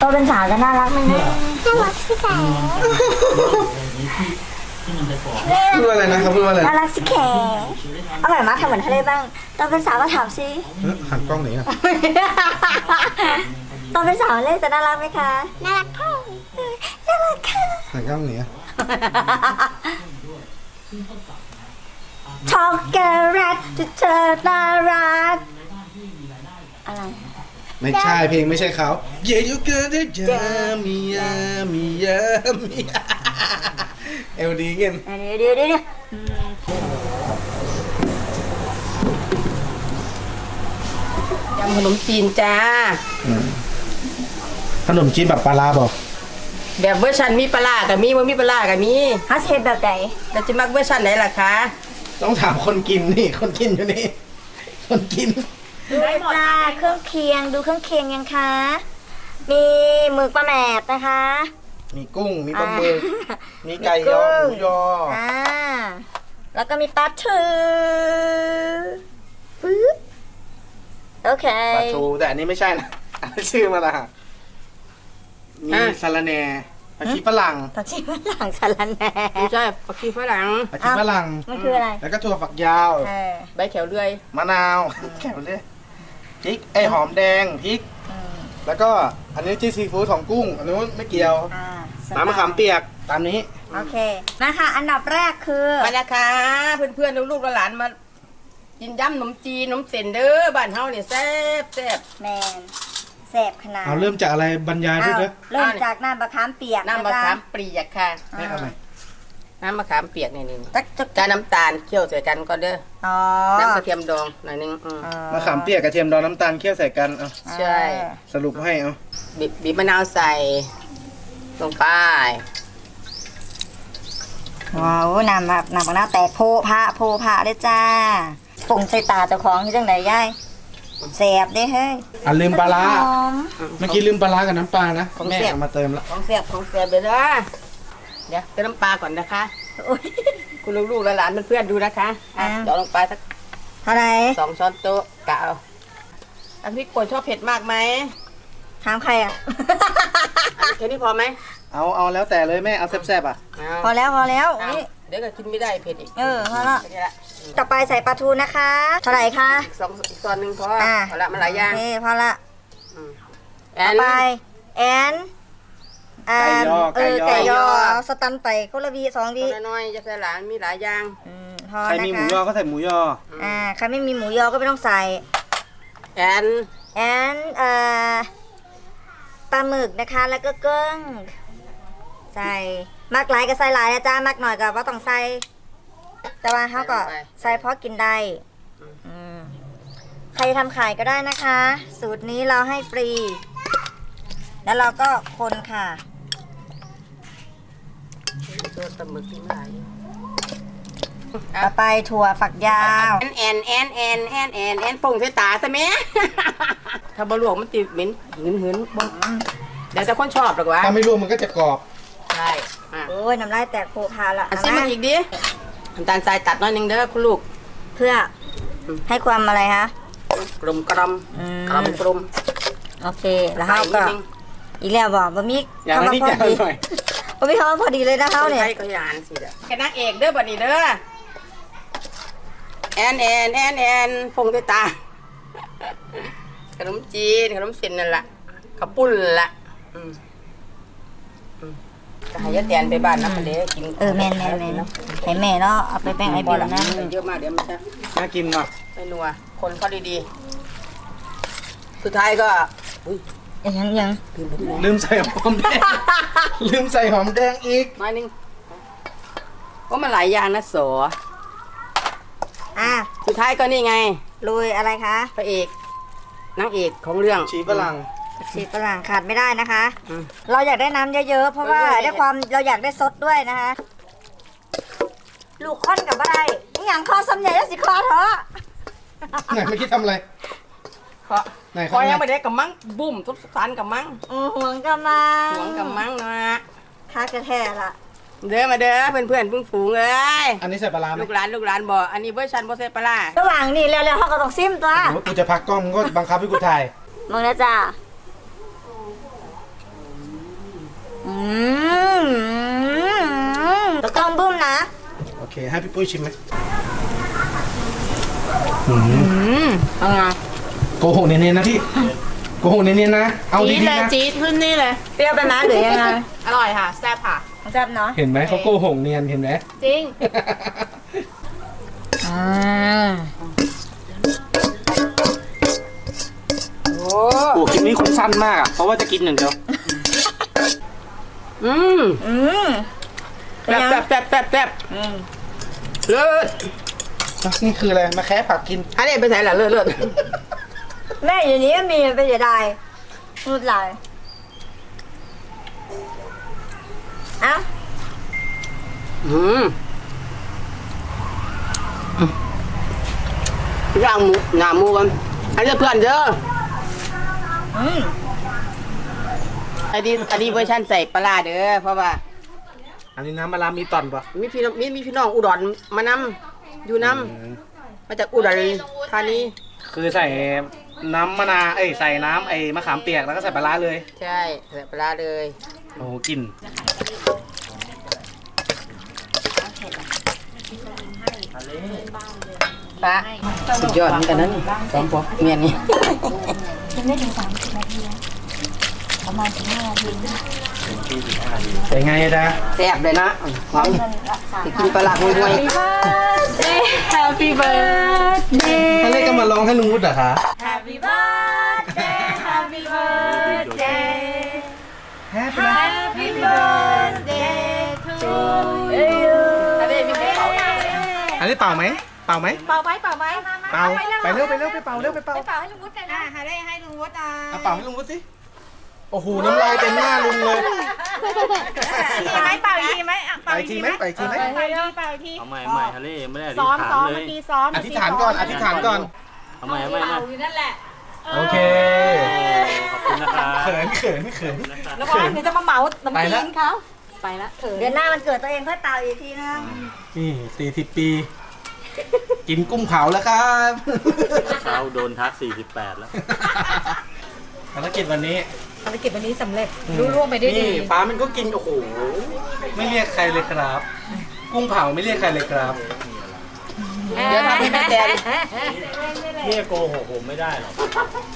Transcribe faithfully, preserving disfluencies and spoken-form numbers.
ตัวเป็นสาวจะน่ารักไหมนะน่ารักสิแขพูดว่าอะไรนะเขาพูดว่าอะไรน่ารักสิแขเอาใหม่มาทำเหมือนทะเลบ้างตัวเป็นสาวมาถามสิหันกล้องไหนอ่ะตัวเป็นสาวเล่จะน่ารักไหมคะน่ารักค่ะน่ารักค่ะหันกล้องไหนอ่ะช็อกโกแลตจะเธอน่ารักอะไรไม่ใช่เพลงไม่ใช่เขาเยยูเกิร์ดเจมียามียามียาเอลดีเงี้ยเดี๋ยวเดี๋ยวเดี๋ยวยำขนมจีนจ้าขนมจีนแบบปลาลาบอกแบบเวอร์ชันมีปลากับมีว่ามีปลากับมีฮัสเฮดแบบไหนแต่จะมักเวอร์ชันไหนล่ะคะต้องถามคนกินนี่คนกินอยู่นี่คนกินดูจ้าเครื่องเคียงดูเครื่องเคียงยังคะมีหมึกปลาแหมดนะคะมีกุ้งมีปลาหมึกมีไก่ยอหมูยออ่าแล้วก็มีปลาทูฟื้นโอเคปลาทูแต่อันนี้ไม่ใช่นะอันนี้ชื่อมาละมีสาลาแหน่ผักชีฝรั่งผักชีฝรั่งสาลาแหน่ไม่ใช่ผักชีฝรั่งผักชีฝรั่งมันคืออะไรแล้วก็ถั่วฝักยาวใบแขวเลื่อยมะนาวแขวเลื่อยพริกไอหอมแดงพริกแล้วก็อันนี้ที่ซีฟู้ดของกุ้งอันนู้นไม่เกี่ยวน้ำมะขามเปียกตามนี้โอเคนะคะอันดับแรกคือมานะคะเพื่อนๆลูกๆหลานมากินยำขนมจีนขนมเส้นเด้อบ้านเฮาเนี่ยแซ่บแซ่บแมนแซ่บขนาดเอาเริ่มจากอะไรบรรยายด้วยเด้อเริ่มจากน้ำมะขามเปียกน้ำมะขามเปียกค่ะนี่อะไรน้ำมะขามเปียกนี่นี่กาน้ำตาลเคี่ยวใส่กันก่อนเด้อน้ำกระเทียมดองหน่อยนึงมะขามเปียกกระเทียมดองน้ำตาลเคี่ยวใส่กันเอาใช่สรุปให้เอาบีบบีบมะนาวใส่ลงไปว้าวน้ำแบบน้ำมะนาวแตกโพพะโพพะเลยจ้าฝงใส่ตาเจ้าของที่จังไหนย่ายแสบดิเฮ้ยอ่ะลืมปลาร้าเมื่อกี้ลืมปลาร้ากับน้ำปลานะแม่เอามาเติมแล้วของแสบของแสบเลยนะเดี๋ยวเติมน้ำปลาก่อนนะคะคุณลูกๆหลานเพื่อนๆดูนะคะเดี๋ยวลงไปสักเท่าไหร่สองช้อนโต๊ะกะเอาอันพี่กวนชอบเผ็ดมากไหมถามใครอ่ะแค่นี้พอไหมเอาเอาแล้วแต่เลยแม่เอาแซ่บๆอ่ะพอแล้วพอแล้วเดี๋ยวก็กินไม่ได้เผ็ดอีกเออพอแล้วต่อไปใส่ปลาทูนะคะเท่าไหร่คะสองอีกตอนหนึ่งพอพอละมันหลายอย่างโอเคพอละต่อไปแอนไก่ยอเออไก่ยอสตันไปคนละวีสองวีน้อยๆจะใส่หลานมีหลายอย่างใครมีหมูยอก็ใส่หมูยออ่าใครไม่มีหมูยอก็ไม่ต้องใส่แอนแอนเอ่อปลาหมึกนะคะแล้วก็เกิ้งใส่มักหลายก็ใส่หลายนะจ้ามักหน่อยก็ว่าต้องใส่แต่ว่าเขาก็ใส่เพราะกินได้ใครทำขายก็ได้นะคะสูตรนี้เราให้ฟรีแล้วเราก็คนค่ะตัวตะมึกที่ไหนต่อไปถั่วฝักยาวแอนแอนแอนแอนแอนแอนป่งใส่ตาใช่ไหมถ้าบะหลวงมันติดเหม็นหืนหืนบ้งเดี๋ยวจะคนชอบหรอกวะถ้าไม่รวมมันก็จะกรอบใช่โอ้ยน้ำลายแตกโผล่พาละอันนี้มันอีกดิน้ำตาลทรายตัดน้อยนึงเด้อคุณลูกเพื่อให้ความอะไรคะกลมกลมกลมกลมโอเคแล้วเขาก็อีแล้วบอกบะมี่ทำมาพอดีบะมี่เขาพอดีเลยนะเขาเนี่ยใช่ก็ยานสิเด้อแค่นักเอกเด้อบัดนี้เด้อแอนแอนแอนแอนพงด้วยตาขนมจีนขนมเส้นนั่นแหละข้าวปุ้นละจะให้ยะแตนไปบ้านนะมันเดี๋ยวกินเออแม่แม่แม่ให้แม่เนาะเอาไปแป้งไอบิวนะเยอะมากเดี๋ยวมันจะน่ากินเนาะไม่นัวคนเขาดีๆสุดท้ายก็ยังยังลืมใส่หอมแดงลืมใส่หอมแดงอีกน้อยนึงว่ามันหลายอย่างนะโสอ่ะสุดท้ายก็นี่ไงลุยอะไรคะพระเอกนางเอกของเรื่องชีฝรั่งชีฝรั่งขาดไม่ได้นะคะเราอยากได้น้ำเยอะๆเพราะว่าได้ความเราอยากได้ซดด้วยนะคะลูกค้อนกับอะไรนี่อย่างคอสำเนียงสิคอเถอะไหนเมื่อกี้ทำอะไรคอไหนคอยังไม่ได้กับมังบุ่มทุกสันกับมังห่วงกับมังห่วงกับมังนะค่ากระแทกละเด้อมาเด้อเพื่อนเพื่อนพึ่งฝูงเลยอันนี้ใส่ปลาไหมลูกหลานลูกหลานบอกอันนี้เวอร์ชันโบเซ่ปลาระหว่างนี้แล้วๆเขาก็ต้องซิมตัวกูจะพักกล้องก็บังคับให้กูถ่ายมึงนะจ้าให้พี่ปุ้ยชิมไหมอืมอืมเอาไงโกหกเนียนๆนะพี่โกหกเนียนๆนะเอาจี๊ดดีเลยๆนะจี๊ดขึ้นนี่เลยเปรี้ยวไปไหมหรือยังไงอร่อยค่ะแซ่บค่ะแซ่บเนาะเห็นไหมเขาโกหกเนียนเห็นไหมจริงอ่าโอ้โอ้คลิปนี้คงสั้นมากอ่ะเพราะว่าจะกินหนึ่างเดียวอืมอืมแซ่บแซ่บแซ่บแซ่บแซ่บอืมเลิศนี่คืออะไรมาแค่ผักกินอันนี้ไปไหนล่ะเลิศเลิศแม่อยู่นี้ก็มีไปเสียดายนูดลายเอ้าอืมย่างหมูหนาหมูกันอันนี้เพื่อนเด้ออืมอันนี้อันนี้เวอร์ชันใส่ปลาร้าเด้อเพราะว่าอันนี้น้ำมะระมีตอนปะมีพี่น้องมีมีพี่น้องอุดรมานำอยู่นำมาจากอุดรธานีคือใส่น้ำมะนาวเอ้ยใส่น้ำไอ้มะขามเปียกแล้วก็ใส่ปลาร้าเลยใช่ใส่ปลาร้าเลยโอ้โหกลิ่นปลาสุดยอดเหมือนกันนะนี่สองพวกเมียนี่เป็นไงจ๊ะแซ่บเลยนะหอมจะกินปลาร้าห่วย Happy birthday ท่านเล่ก็มาลองให้ลุงวุฒิเหรอคะ Happy birthday Happy birthday Happy birthday to you อันนี้เป่าไหมเป่าไหมเป่าไหมเป่าไหมเป่าไปเร็วไปเร็วไปเป่าเร็วไปเป่าเป่าให้ลุงวุฒิกันนะให้ได้ให้ลุงวุฒิอ่ะเอาเป่าให้ลุงวุฒิสิโอ้โหน้ำลายเต็มหน้าลุงเลยอีกไหมเป่าอีกทีไหมอ่ะไปอีกทีไหมไปอีกทีไหมเป่าอีกทีเป่าอีกทีเอาใหม่ใหม่ทะเลไม่ได้อธิซ้อษมฐานซ้อมเลเมื่อย กี้ซ้อมอธิษฐานก่อนอธิษฐานก่อนเอาใหม่เอาใหม่เป่ามาอยู่นั่นแหละโอเคขอบคุณนะครับเขินเขินเขินแล้วก็เดี๋ยวจะมาเหมาขนมไปจีละนเขาไปละเดือนหน้ามันเกิดตัวเองค่อยเป่าอีกทีนึงนี่สี่สิบปี กินกุ้งเผาแล้วครับเช้าโดนทักสี่สิบแปดแล้วภารกิจวันนี้ภารกิจวันนี้สำเร็จรุ่ร่วงไปด้วยดีนี่ฟ้ามันก็กินโอ้โหไม่เรียกใครเลยครับ กุ้งเผาไม่เรียกใครเลยครับๆเดี๋ยวทำให้แม่แตนเรียกโกหกผมไม่ได้หรอก